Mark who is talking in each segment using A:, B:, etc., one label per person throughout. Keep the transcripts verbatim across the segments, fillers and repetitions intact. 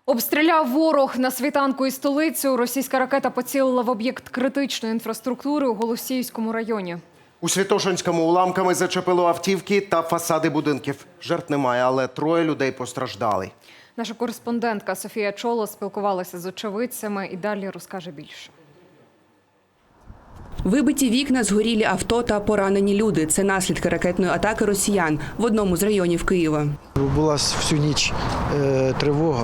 A: Обстріляв ворог на світанку і столицю. Російська ракета поцілила в об'єкт критичної інфраструктури у Голосіївському районі.
B: У Святошинському уламками зачепило автівки та фасади будинків. Жертв немає, але троє людей постраждали.
A: Наша кореспондентка Софія Чоло спілкувалася з очевидцями і далі розкаже більше.
C: Вибиті вікна, згорілі авто та поранені люди – це наслідки ракетної атаки росіян в одному з районів Києва.
D: Була всю ніч е, тривога.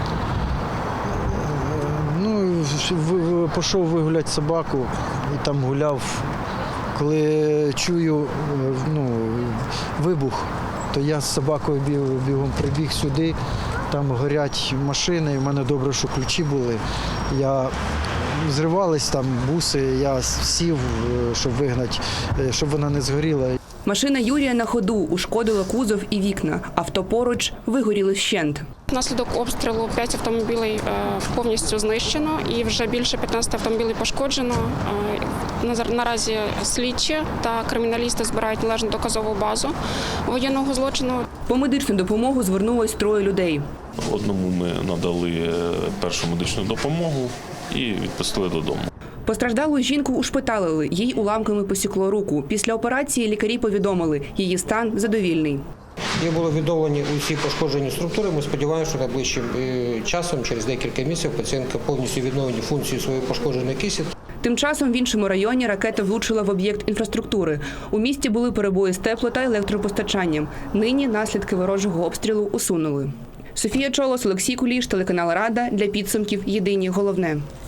D: Ну, пішов вигуляти собаку і там гуляв. Коли чую ну, вибух, то я з собакою бігом прибіг сюди. Там горять машини, в мене добре, що ключі були. Я зривались там буси, я сів, щоб вигнати, щоб вона не згоріла.
C: Машина Юрія на ходу, ушкодила кузов і вікна. Авто поруч вигоріли вщент.
E: Внаслідок обстрілу п'ять автомобілів повністю знищено і вже більше п'ятнадцяти автомобілів пошкоджено. Наразі слідчі та криміналісти збирають належну доказову базу воєнного злочину.
C: По медичну допомогу звернулось троє людей.
F: Одному ми надали першу медичну допомогу і відпустили додому.
C: Постраждалу жінку ушпиталили, їй уламками посікло руку. Після операції лікарі повідомили, її стан задовільний.
G: Є було відновлені усі пошкоджені структури. Ми сподіваємося, що найближчим часом, через декілька місяців, пацієнтка повністю відновлені функції своєї пошкодженої кисті.
C: Тим часом в іншому районі ракета влучила в об'єкт інфраструктури. У місті були перебої з тепло- та електропостачанням. Нині наслідки ворожого обстрілу усунули. Софія Чолос, Олексій Куліш, телеканал Рада. Для підсумків єдині головне.